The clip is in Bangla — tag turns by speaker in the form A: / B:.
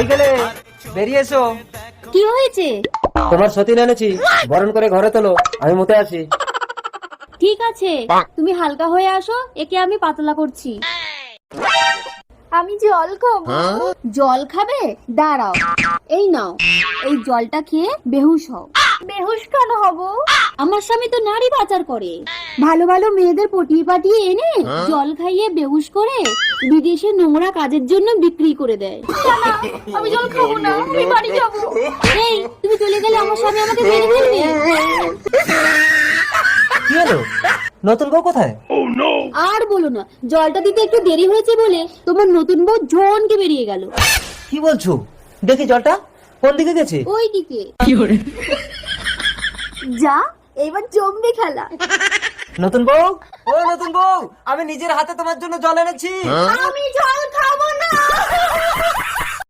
A: কই গেলে? বেরিয়ে এসো।
B: কি হয়েছে?
A: তোমার সতীন এনেছি, বরণ করে ঘরে তোলো, আমি মুতে আসি।
B: ঠিক আছে, তুমি হালকা হয়ে আসো, একে আমি পাতলা করছি। আমি জল খাবো। জল খাবে? দাঁড়াও, এই নাও, এই জলটা খেয়ে বেহুশ হও। বেহুশ কেন হব? আমার স্বামী তো নারী পাচার করে, ভালো ভালো মেয়েদের পটিয়ে পাটিয়ে এনে জল খাইয়ে বেহুশ করে বিদেশে নোংরা কাজের জন্য বিক্রি করে দেয়। আমি জল খাবো না, আমি বাড়ি যাবো। এই, তুমি চলে গেলে আমার স্বামী আমাকে মেরে ফেলবে।
A: কি হলো? নতুন বউ কোথায়?
B: আর বলো না, জলটা দিতে একটু দেরি হয়েছে বলে তোমার নতুন বউ ঝনকে বেরিয়ে গেল।
A: কি বলছো? দেখি জলটা কোন দিকে গেছে?
B: ওই দিকে। যা, এবার জমবে খেলা।
A: নতুন বউ, ও নতুন বউ, আমি নিজের হাতে তোমার জন্য জল এনেছি।
B: আমি জল খাবো না।